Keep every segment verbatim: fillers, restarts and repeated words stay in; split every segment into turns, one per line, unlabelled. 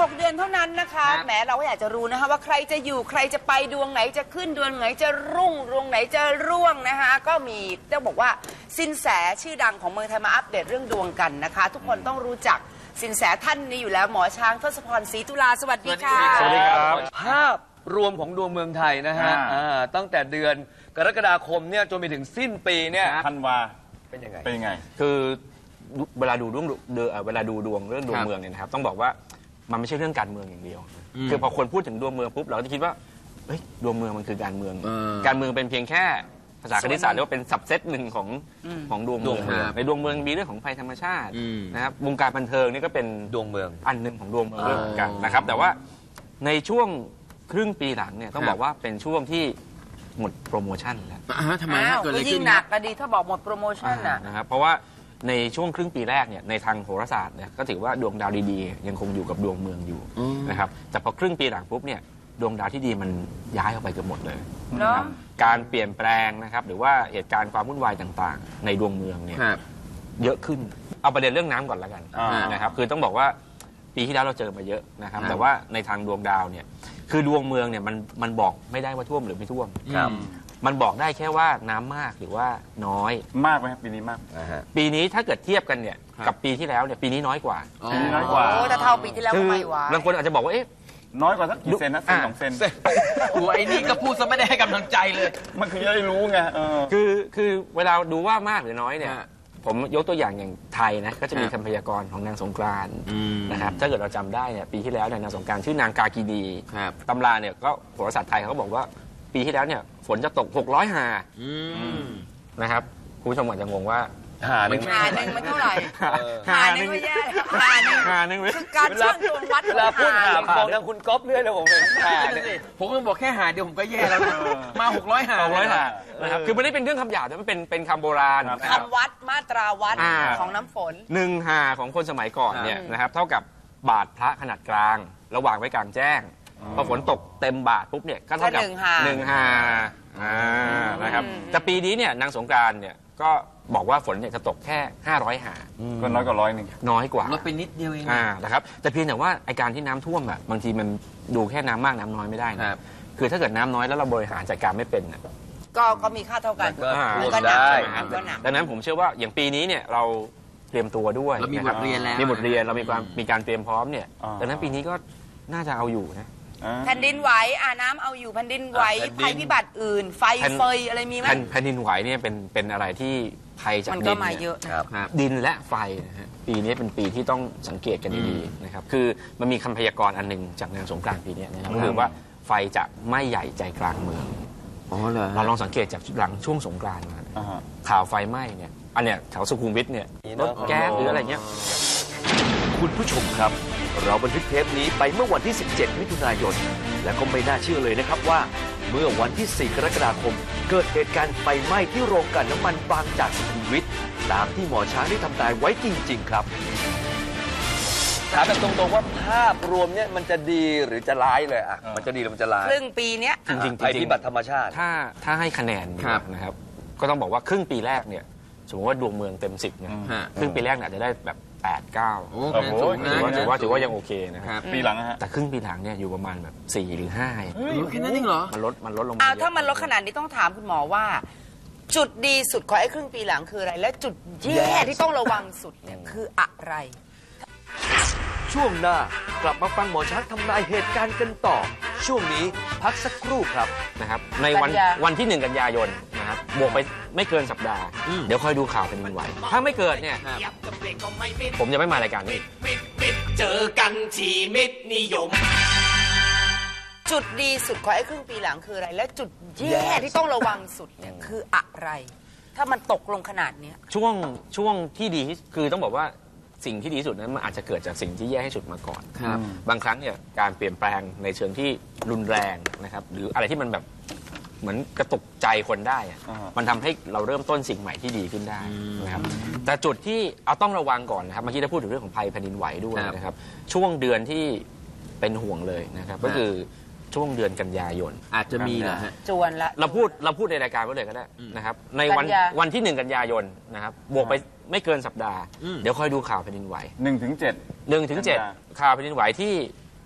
หกเดือนเท่านั้นนะคะแหมเราก็อยากจะรู้นะคะว่าใครจะอยู่ใครจะไปดวงไหนจะขึ้นดวงไหนจะรุ่งดวงไหนจะร่วงนะคะก็มีต้องบอกว่าสินแสชื่อดังของเมืองไทยมาอัปเดตเรื่องดวงกันนะคะทุกคนต้องรู้จักสินแสท่านนี้อยู่แล้วหมอช้างทศพรศรีตุลาสวัสดีค่ะ
สวัสดีครับภาพรวมของดวงเมืองไทยนะฮะตั้งแต่เดือนกรกฎาคมเนี่ยจนไปถึงสิ้นปีเนี่ย
ธันวา
เป็นยังไง
เป็นยังไง
คือเวลาดูดวงเวลาดูดวงเรื่องดวงเมืองเนี่ยนะครับต้องบอกว่ามันไม่ใช่เรื่องการเมืองอย่างเดียวคือพอคนพูดถึงดวงเมืองปุ๊บเราก็จะคิดว่าเฮ้ยดวงเมืองมันคือการเมืองการเมืองเป็นเพียงแค่ภาษาคณิตศาสตร์เรียกว่าเป็นสับเซตหนึ่งของของดวงเมืองในดวงเมืองมีเรื่องของภัยธรรมชาตินะครับวงการบันเทิงนี่ก็เป็น
ดวงเมือง
อันหนึ่งของดวงเมืองเรื่องกันนะครับแต่ว่าในช่วงครึ่งปีหลังเนี่ยต้องบอกว่าเป็นช่วงที่หมดโปรโมชั่นแล้ว
ทำไมเกิดอะไรขึ้นหนักก็ดีถ้าบอกหมดโปรโมชั่น
นะครับเพราะว่าในช่วงครึ่งปีแรกเนี่ยในทางโหราศาสตร์เนี่ยก็ถือว่าดวงดาวดีๆยังคงอยู่กับดวงเมืองอยู่นะครับแต่พอครึ่งปีหลังปุ๊บเนี่ยดวงดาวที่ดีมันย้ายออกไปเกือบหมดเลยนะครับการเปลี่ยนแปลงนะครับหรือว่าเหตุการณ์ความวุ่นวายต่างๆในดวงเมืองเนี่ยเยอะขึ้นเอาประเด็นเรื่องน้ำก่อนละกันนะครับคือต้องบอกว่าปีที่แล้วเราเจอมาเยอะนะครับแต่ว่าในทางดวงดาวเนี่ยคือดวงเมืองเนี่ยมันมันบอกไม่ได้ว่าท่วมหรือไม่ท่วมมันบอกได้แค่ว่าน้ำมากหรือว่าน้อย
มากไหมครับปีนี้มาก
ปีนี้ถ้าเกิดเทียบกันเนี่ยกับปีที่แล้วเนี่ยปีนี้น้อยกว่า
ปีนี้น้อยกว่า
โอ้แต่เท่าปีที่แล้วไม่ไหว
บางคนอาจจะบอกว่าเอ๊ะ
น้อยกว่าสักกี่เซนนะเซนสองเซน
โอ้ไอ้นี่ก็พูดซะไม่ได้ให้กำลังใจเลย
มันคือจะได้รู้ไง
คือคือเวลาดูว่ามากหรือน้อยเนี่ยผมยกตัวอย่างอย่างไทยนะก็จะมีคำพยากรณ์ของนางสงกรานต์นะครับถ้าเกิดเราจำได้เนี่ยปีที่แล้วเนี่ยนางสงกรานต์ชื่อนางกากีดีตำราเนี่ยก็โหราศาสตร์ไทยเขาก็บอกว่าปีที่แล้วเนี่ยฝนจะตกหกร้อยหานะครับคุณผู้ชมอาจจะงงว่า
หาหนึ่ง
หาหนึ่งมันเท่าไหร่หาหนึ่งไม่แย่หาหนึ่ง
หาหนึ่ง
คือการช่างดวงวัด
เวลาพูดหาบอกทางคุณก๊อฟเรื่อยเลยผมเป็นหา
ผมก็บอกแค่หาเดียวผมก็แย่แล้วมาหกร้อยหา
หกร้อยหานะครับคือไม่ได้เป็นเรื่องคำหยาบแต่มันเป็นเป็นคำโบราณ
คำวัดมาตราวัดของน้ำฝน
หนึ่งหาของคนสมัยก่อนเนี่ยนะครับเท่ากับบาทพระขนาดกลางระหว่างไว้กลางแจ้งพอฝนตกเต็มบาทปุ๊บเนี่ยก็เท่ากับหนึ่งหานะครับแต่ปีนี้เนี่ยนางสงกรานต์เนี่ยก็บอกว่าฝนเนี่ยจะตกแค่ห้าร้อยหา
ก็น้อยกว่าร้อยหนึ่ง
น้อยกว่า
ลดไปนิดเดียวเอง
นะครับแต่เพียงแต่ว่าไอการที่น้ำท่วมแบบบางทีมันดูแค่น้ำมากน้ำน้อยไม่ได้นะคือถ้าเกิดน้ำน้อยแล้วเราบริหารจัดการไม่เป็น
ก็ก็มีค่าเท่ากัน
ก็หนักดังนั้นผมเชื่อว่าอย่างปีนี้เนี่ยเราเตรียมตัวด้วย
เรามีบทเรียนแล้ว
มีบทเรียนเรามีความมีการเตรียมพร้อมเนี่ยดังนั้นปีนี้ก็น่าจะเอาอยู่นะ
แผ่นดินไหวอ่าน้ำเอาอยู่แผ่นดินไหวภัยพิบัติอื่นไฟเฟยอะไรมีไหม
แผ่นดินไหวเนี่ยเป็นเป็นอะไรที่ภัยจากดิน
มันก็มาเยอะ
ดินและไฟนะฮะปีนี้เป็นปีที่ต้องสังเกตกันดีๆนะครับคือมันมีคำพยากรณ์อันหนึ่งจากนางสงกรานต์ปีนี้นะครับก็คือว่าไฟจะไม่ใหญ่ใจกลางเมืองเราลองสังเกตจากหลังช่วงสงกรานต์นะข่าวไฟไหม้เนี่ยอันเนี้ยแถวสุขุมวิทเนี่ยรถแก๊สหรืออะไรเงี้ย
คุณผู้ชมครับเราบันทึกเทปนี้ไปเมื่อวันที่สิบเจ็ดมิถุนายนและก็ไม่น่าเชื่อเลยนะครับว่าเมื่อวันที่สี่กรกฎาคมเกิดเหตุการณ์ไฟไหม้ที่โรงกลั่นน้ำมันบางจากสุขุมวิทตามที่หมอช้างได้ทำนายไว้จริงๆครับ
ถามแบบตรงๆว่าภาพรวมเนี่ยมันจะดีหรือจะร้ายเลยอ่ะมันจะดีหรือมันจะร้าย
ครึ่งปีเนี้ย
จริงๆ
ภัยพิบัติธรรมชาติ
ถ้าถ้าให้คะแนนนะครับก็ต้องบอกว่าครึ่งปีแรกเนี่ยสมมติว่าดวงเมืองเต็มสิบเนี่ยครึ่งปีแรกอาจจะได้แบบแปด เก้าถือว่าถือว่าถือว่ายังโอเคนะครับ
ปีหลังฮะ
แต่ครึ่งปีหลังเนี่ยอยู่ประมาณแบบสี่หรือห้า
แค่นั้นเองเหรอ
มันลดมันลดลง
มาถ้ามันลดขนาดนี้ต้องถามคุณหมอว่าจุดดีสุดของไอ้ครึ่งปีหลังคืออะไรและจุดแย่ที่ต้องระวังสุดเนี่ยคืออะไร
ช่วงหน้ากลับมาฟังหมอช้างทำนายเหตุการณ์กันต่อช่วงนี้พักสักครู่ครับ
นะครับในวันวันที่หนึ่งกันยายนนะครับบวกไปไม่เกินสัปดาห์เดี๋ยวคอยดูข่าวเป็นวันไหวถ้าไม่เกิดเนี่ยผมจะไม่มารายการนี้
เจอกันที่มิตรนิยม
จุดดีสุดของไอ้ครึ่งปีหลังคืออะไรและจุดแย่ที่ต้องระวังสุดเนี่ยคืออะไรถ้ามันตกลงขนาดนี้
ช่วงช่วงที่ดีคือต้องบอกว่าสิ่งที่ดีที่สุดนั้นมันอาจจะเกิดจากสิ่งที่แย่ที่สุดมาก่อนบางครั้งเนี่ยการเปลี่ยนแปลงในเชิงที่รุนแรงนะครับหรืออะไรที่มันแบบเหมือนกระตุกใจคนได้มันทำให้เราเริ่มต้นสิ่งใหม่ที่ดีขึ้นได้นะครับแต่จุดที่เอาต้องระวังก่อนนะครับเมื่อกี้ได้พูดถึงเรื่องของภัยแผ่นดินไหวด้วยนะครับช่วงเดือนที่เป็นห่วงเลยนะครับก็คือช่วงเดือนกันยายน
อาจจะมีเหรอฮะ
จวนละ
เราพูดเราพูดในรายการไว้เลยก็ได้นะครับในวันวันที่หนึ่งกันยายนนะครับบวกไปไม่เกินสัปดาห์เดี๋ยวคอยดูข่าวแผ่นดินไหว
หนึ่งถึงเจ็ด
หนึ่งถึงเจ็ดข่าวแผ่นดินไหวที่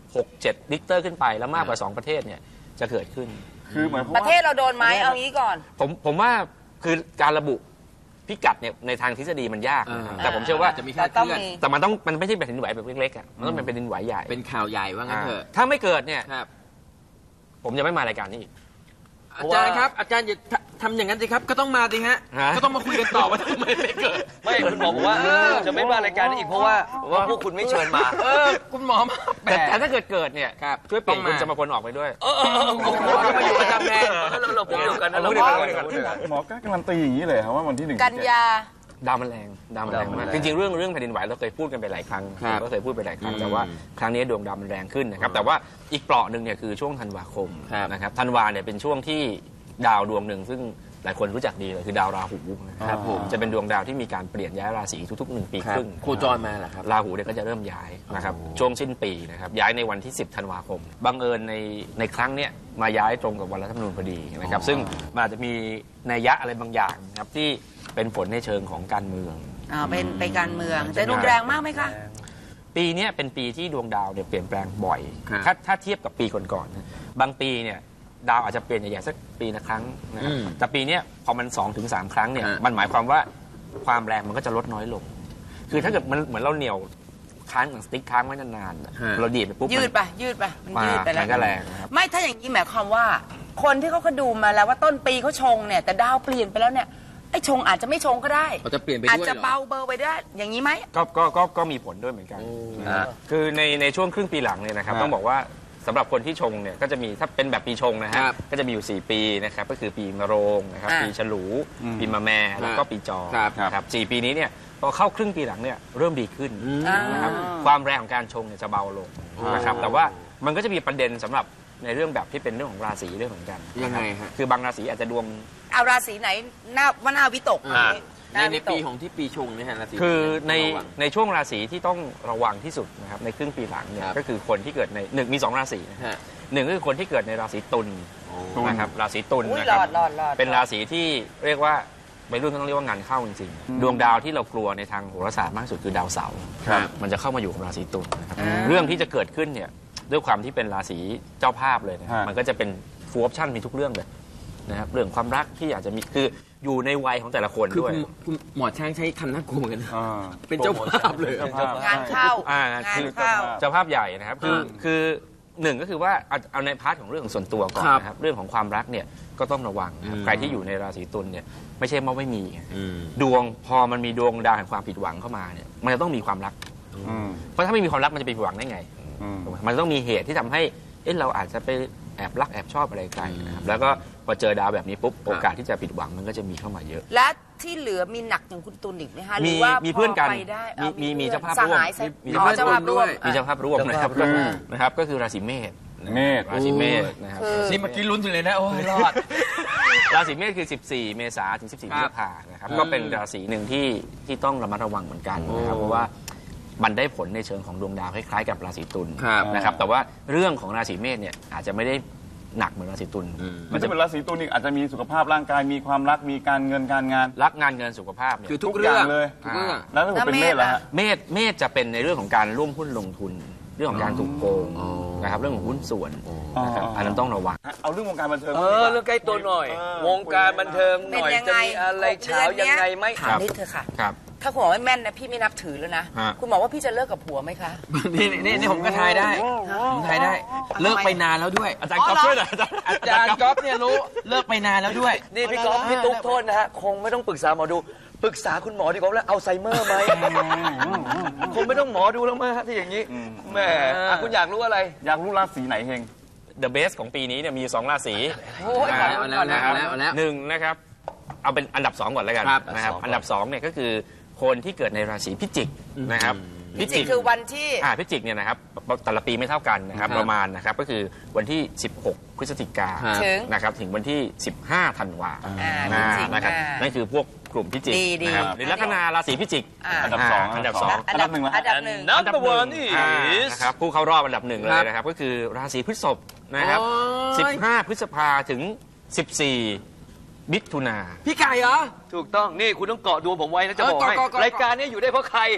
หกเจ็ดริกเตอร์ขึ้นไปแล้วมากกว่าสองประเทศเนี่ยจะเกิดขึ้น
คือหมายความ
ประ
ว่า
เทศเราโดนไหมเอางี้ก่อน
ผมผมว่าคือการระบุพิกัดเนี่ยในทางทฤษฎีมันยากนะครับ
อ่า
แต่ผมเชื่อว่า
จะมีค่าเคลื่อน
แต่มันต้องมันไม่ใช่แผ่นดินไหวแบบเล็กๆอ่ะมันต้องเป็นแผ่นดินไหวใหญ่
เป็นข่าวใหญ่ว่างั้นเถอะ
อ่าถ้าไม่เกิดเนี่ย
ครับ
ผมจะไม่มารายการนี้อีก
อาจารย์ครับอาจารย์อย่าทำทำอย่างนั้นสิครับก็ต้องมาสิฮะ
ฮะ
ก็ต้องมาคุยกันต่อว่าทำไมไม่เกิด
ไม่คุณหมอบอกว่าจะไม่มารายการนี้อีกเพราะว่าว่าพวกคุณไม่เชิญมา
เออคุณหมอมาแหม
แต่แต่ถ้าเกิดเกิดเนี่ย
ครับ
ช่วยเปลี่ยน
ต้อง
คุณ
มา
สมพลออกไปด้วย
เออเออเออ
ผมก็มาอยู่ประจำแทน
เราเราผมเดียวกันนะ
เรา
เรา
พูด
เดี
เดี
ย
ยว ว
กั
กัน น
หมอก็การันตีอย่างนี้เลยครับว่าวันที่หนึ่ง
กันยา
ดาวมันแรงดาวมันแรงมากจริงๆเรื่องเรื่องแผ่นดินไหวเราเคยพูดกันไปหลายครั้ง
ครับ
ผมก็เคยพูดไปหลายครั้ง
อืม
แต่ว่าครั้งนี้ดวงดาวมันแรงขึ้นนะครับแต่ว่าอีกเปราะหนึ่งเนี่ยคือช่วงธันวาคม
ครับ
นะครับธันวาเนี่ยเป็นช่วงที่ดาวดวงหนึ่งซึ่งหลายคนรู้จักดีเลยคือดาวราหูนะครับผมจะเป็นดวงดาวที่มีการเปลี่ยนย้ายราศีทุกๆหนึ่งปีครึ่ง
โคจรมาเหรอครับ
ราหูเนี่ยก็จะเริ่มย้ายนะครับช่วงสิ้นปีนะครับย้ายในวันที่ สิบธันวาคมบังเอิญในในครั้งเนี้ยมาย้ายตรงกับวันรัฐธรรมนูญพอดีนะครับซึ่งมันอาจจะมีนัยยะอะไรบางอย่างนะครับที่เป็นผลในเชิงของการเมือง
อ่าเป็นไปการเมืองแต่รุนแรงมากไหมคะ
ปีเนี้ยเป็นปีที่ดวงดาวเนี่ยเปลี่ยนแปลงบ่อย
ครับ
ถ้าถ้าเทียบกับปีก่อนๆนะบางปีเนี่ยดาวอาจจะเปลี่ยนใหญ่ๆสักปีละครั้งนะครับ
อืม
แต่ปีเนี้ยพอมันสองถึงสามครั้งเนี่ย
ฮะ
มันหมายความว่าความแรงมันก็จะลดน้อยลง คือถ้าเกิดมันเหมือนเราเหนี่ยวค้างหนังสติ๊กค้างไว้นานๆน่ะเราดีดไปปุ๊บ
ยืด
มัน
ไปยืดไปมัน
มา
ยืดไปแล้ว
มันก็แรงนะครับ
ไม่ถ้าอย่างนี้หมายความว่า คนที่เขาก็ดูมาแล้วว่าต้นปีเขาชงเนี่ยแต่ดาวเปลี่ยนไปแล้วเนี่ยไอ้ชงอาจจะไม่ชงก็ได้
เขาจะเปลี่ยนไปด้วย
อาจ
เหรอ
จะเบาเบอร์ไปได้ อย่างนี้ไหม
ก็ก็ก็ก็มีผลด้วยเหมือนกันนะฮะคือในในช่วงครึ่งปีหลังเนี่ยนะครับ
ครับ
ต้องบอกว่าสำหรับคนที่ชงเนี่ยก็จะมีถ้าเป็นแบบปีชงนะฮะ
ครับ
ก็จะมีอยู่สี่ปีนะครับก็คือปีมะโรงนะครับ
อ่า
ปีฉลู ปีมะแม่แล้วก็ปีจอ
ครับ
นะครับสี่ปีนี้เนี่ยพอเข้าครึ่งปีหลังเนี่ยเริ่มดีขึ้น
อ่า
นะครับความแรงของการชงเนี่ยจะเบาลงนะครับแต่ว่ามันก็จะมีประเด็นสำหรับในเรื่องแบบที่เป็นเรื่องของราศีเรื่องของกัน
ยังไงฮะ
คือบางราศีอาจจะดวง
เอาราศีไหนหน้าว่าหน้าวิตก
อ่า
ห
ใน
น้า
ใน
วิต
ปี
ก
ของที่ปีชงเนี่ยฮะราศี
คือใน
ระวัง
ในช่วงราศีที่ต้องระวังที่สุดนะครับในครึ่งปีหลังเนี่ย
ครับ
ก็คือคนที่เกิดในหนึ่งมีสองราศีนะ
ฮะ
หนึ่งก็คือคนที่เกิดในราศีตุล
ตุล
นะครับราศีตุล
อุ้ย
นะ
ร
ครั
อบ ดรอดรอด
เป็นราศีที่เรียกว่าวัยรุ่นก็ต้องเรียกว่างานเข้าจริงๆดวงดาวที่เรากลัวในทางโหราศาสตร์มากที่สุดคือดาวเสาร์
ครับ
มันจะเข้ามาอยู่กับราศีตุลนะครับเรื่องที่จะเกิดขึ้นเนี่ยด้วยความที่เป็นราศีเจ้าภาพเลยนะครับ
ฮะ
มันก็จะเป็นฟูลออปชั่นมีทุกเรื่องเลยนะครับเรื่องความรักที่อาจจะมีคืออยู่ในวัยของแต่ละคน
คือ
ด้วย
คุณคุณหมอช้างใช้คำน่ากลัวเหมือนกันนะ
อ่า
เป็นเจ้าภาพเลย
เจ้าภาพ
งานเข้า
อ่าง
งาน
คือ
เข้า
เจ้าภาพใหญ่นะครับคือ
อ่า
คือหนึ่งก็คือว่าเอาเอาในพาร์ทของเรื่องของส่วนตัวก่อน
ครับ
นะครับเรื่องของความรักเนี่ยก็ต้องระวังนะครับ
อืม
ใครที่อยู่ในราศีตุลเนี่ยไม่ใช่ว่าไม่มี
อืม
ดวงพอมันมีดวงดาวแห่งความผิดหวังเข้ามาเนี่ยมันจะต้องมีความรัก
อืม
เพราะถ้าไม่มีความรักมันจะไปผิดหวังได้ไง
อืม
ถูกไหมมันต้องมีเหตุที่ทำให้เอ๊ะเราอาจจะไปแอบรักแอบชอบอะไรใครนะครับแล้วก็พอเจอดาวแบบนี้ปุ๊บโอกาสที่จะผิดหวังมันก็จะมีเข้ามาเยอะ
และที่เหลือมีหนักอย่างคุณตุลอีกไหมคะหรื
มี
อว่า
มีเพื่อนกัน
พไปได้
มี
อ
มีมี
พื่อน
เจ้าภาพ
ส
ร่วม
หายส
มี
อ๋อเจ้าภาพร่วม
มีเจ้าภาพร่วมนะครับ
เจ้าภาพร่วม
นะครับก็คือราศีเมษ
เมษ
ราศีเมษนะครับ
คือ
นี่เมื่อกี้ลุ้นอยู่เลยนะ โอ้ยรอด
ราศีเมษคือ สิบสี่ เมษาถึง สิบสี่
ค
พ
รั
ฤ
บ
ษภานะครับก็เป็นราศีหนึ่งที่ที่ต้องระมัดระวังเหมือนกันนะครับเพราะว่ามันได้ผลในเชิงของดวงดาวคล้ายๆกับราศีตุล
ครับ
นะครับแต่ว่าเรื่องของราศีเมษเนี่ยอาจจะไม่ได้หนักเหมือนราศีตุล
มันจะเป็นราศีตุลนี่อาจจะมีสุขภาพร่างกายมีความรักมีการเงินการงาน
รักงานเงินสุขภาพเนี่ย
คือทุก
ทุก
เรื่อง
อย่างเลย
ทุกเรื่อง
แล้วถ้าเกิดเป็นเมษล่ะฮะ
เมษเมษจะเป็นในเรื่องของการร่วมหุ้นลงทุน เรื่องของการถูกโกงนะครับเรื่องของหุ้นส่วนนะครับ
อ๋ออั
อันนั้นต้องระวัง
เอาเรื่องวงการบันเทิง
เออเรื่องใกล้ตัวหน่อย วงการบันเทิงหน่อย
เป็นยัง
จะ
ไง
มีอะไรเช้ายังไงไหม
ถามนิดเถอะค่ะ
ครับ
ถ้าคุณบอกไม่แม่นนะพี่ไม่นับถือแล้วนะ
ฮะ
คุณบอกว่าพี่จะเลิกกับผัวไหมคะ
นี่นี่นี่ผมก็ทายได้ผมทายได้ เลิกไปนานแล้วด้วย
อาจารย์ก๊อฟช่วยหน่อย
อาจารย์ก๊อฟเนี่ยรู้เลิกไปนานแล้วด้วย
นี่พี่ก๊อฟพี่ตุ๊กโทษนะฮะ คงไม่ต้องปรึกษาหมอดู ปรึกษาคุณหมอดีกว่าแล้วอัลไซเมอร์ไหม คงไม่ต้องหมอดูแล้วมั้งฮะที่อย่างนี้แหมอ่ะคุณอยากรู้อะไร
อยากรู้ราศีไหนเฮง
The best ของปีนี้เนี่ยมีอยู่สองราศี
โอ้ย
เอาแล้วเอาแล้วเอาแล้วเอาแล้ว
หนึ่งนะครับเอาเป็นอันดับสองก่อนแล้วกัน
ครับ
นะครับอันดับสองเนี่ยก็คือคนที่เกิดในราศีพิจิกนะครับ
พิจิกคือวันที่
อ่าพิจิกเนี่ยนะครับแต่ละปีไม่เท่ากันนะครับ
ครับ
ประมาณนะครับก็คือวันที่ สิบหก พฤศจิกา
ครับ
ถึง
นะครับถึงวันที่ สิบห้า ธันวา
อ่า
อ่า
พิจิก
นะครับ
อ่านั่
นั่นคือพวกกลุ่มพิจิก
ดีดี
นะครับหรือลัคนาราศีพิจิก
อ่า
อันดับสอง
อันดับสอง
อันดับหนึ่งละ
อันดับหนึ่ง
Number
อันดับหนึ่ง
one is
อ่านะครับผู้เข้ารอบอันดับหนึ่งเลยนะครับก็คือราศีพฤษภนะครับ
โอ้ย
สิบห้า พฤษภาถึง สิบสี่ มิถุนา
พี่ไก่เหรอ
ถูกต้อง นี่คุณต้องเกาะดวงผมไว้นะจะบอก
เออ
ให้
เกาะเกาะเกาะ
รายการนี้อยู่ได้เพราะใคร
ผ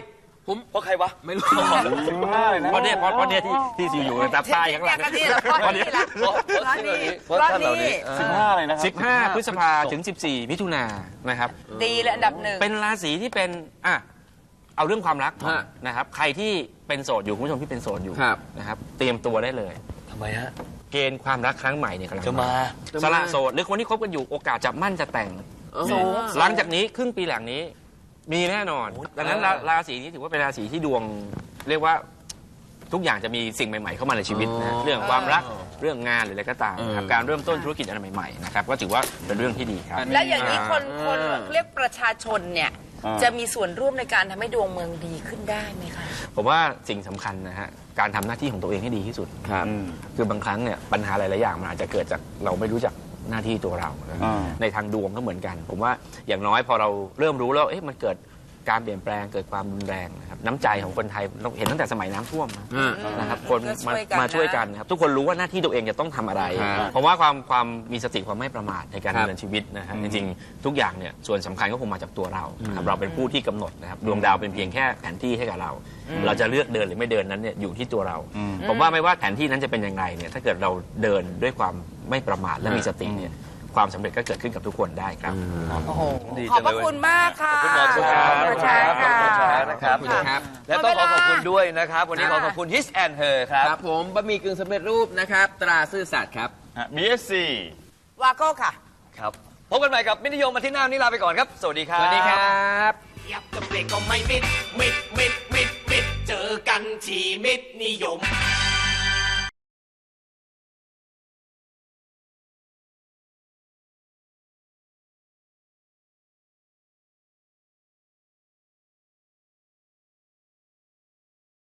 ผม
เพราะใครวะ
ไม่รู้
สิบห้าเลยนะ
เพราะเนี่ยเพราะเพราะเนี่ยที่ที่อยู่ตามป้ายข้างหลัง
แยกกันนี่แหละเพราะนี่แหละ
เพราะเพราะ
เพราะนี่
เพราะท่านเหล่านี้
สิบห้าเลยนะครับ
สิบห้าพฤษภาถึงสิบสี่มิถุนายนนะครับ
ดีเลยอันดับหนึ่ง
เป็นราศีที่เป็นอ่ะเอาเรื่องความรักก่อน
ฮะ
นะครับ ใครที่เป็นโสดอยู่คุณผู้ชมที่เป็นโสดอยู่
ครับ
นะครับ เตรียมตัวได้เลย
ทำไมฮะ
เกณฑ์ความรักครั้งใหม่เนี่ยกำลัง
จะมา
สละโสดหรือคนที่คบกันอยู่โอกาสจะมั่นจะแต่ง
สูง
หลังจากนี้ครึ่งปีหลังนี้มีแน่นอน ดังนั้นราราศีนี้ถือว่าเป็นราศีที่ดวงเรียกว่าทุกอย่างจะมีสิ่งใหม่ๆเข้ามาในชีวิตนะเรื่องความรักเรื่องงานหรืออะไรก็ตามนะครับการเริ่มต้นธุรกิจอะไรใหม่ๆนะครับก็ถือว่าเป็นเรื่องที่ดีครับ
แล้วอย่างนี้คนคนเรียกประชาชนเนี่ย
อ่า
จะมีส่วนร่วมในการทำให้ดวงเมืองดีขึ้นได้ไหมคะ
ผมว่าสิ่งสำคัญนะฮะการทำหน้าที่ของตัวเองให้ดีที่สุด
ครับ
อืม
คือบางครั้งเนี่ยปัญหาหลายๆอย่างมันอาจจะเกิดจากเราไม่รู้จักหน้าที่ตัวเรานะ
อ่า
ในทางดวงก็เหมือนกัน ผมว่าอย่างน้อยพอเราเริ่มรู้แล้วเอ๊ะมันเกิดการเปลี่ยนแปลงเกิดความรุนแรงนะครับน้ำใจของคนไทยเราเห็นตั้งแต่สมัยน้ำท่วมนะ
อืม
นะครับคน
ก็ช่
มา
วยกัน
มาช่วย
นะ
กันนะครับทุกคนรู้ว่าหน้าที่ตัวเองจะต้องทำอะไร
ครับ
เพราะว่าความความมีสติความไม่ประมาทในการ
ครับ
ดำเนินชีวิตนะฮะจริงๆทุกอย่างเนี่ยส่วนสำคัญก็คงมาจากตัวเรานะครับเราเป็นผู้ที่กำหนดนะครับดวงดาวเป็นเพียงแค่แผนที่ให้กับเรา เราจะเลือกเดินหรือไม่เดินนั้นเนี่ยอยู่ที่ตัวเรา ผมว่าไม่ว่าแผนที่นั้นจะเป็นยังไงเนี่ยถ้าเกิดเราเดินด้วยความไม่ประมาทและมีสติเนี่ยความสำเร็จก็เกิดขึ้นกับทุกคนได้ครับ
โอ้โห
ดี
ขอบ
จัง
พระ
เลย
คุณมากค่ะ
ขอบคุณหมอช้าง
ขอบคุณค่ะ
ขอบคุณช้างนะครับ
ขอบคุณครับ
และต้องขอขอบคุณด้วยนะครับ วันนี้ขอขอบคุณ His and Her ครับ
ครับผมบะหมี่กึ่งสำเร็จรูปนะครับ ตราซื่อสัตย์ครับ
บี เอส ซี
วาโก้ค่ะ
ครับพบกันใหม่กับมิตรนิยมมาที่หน้าวันนี้ลาไปก่อนครับ สวัสดีครับ
สวัสดีครับ
ยับกับเบรกก็ไม่มิด มิด มิด มิด มิด เจอกันที่มิดนิยม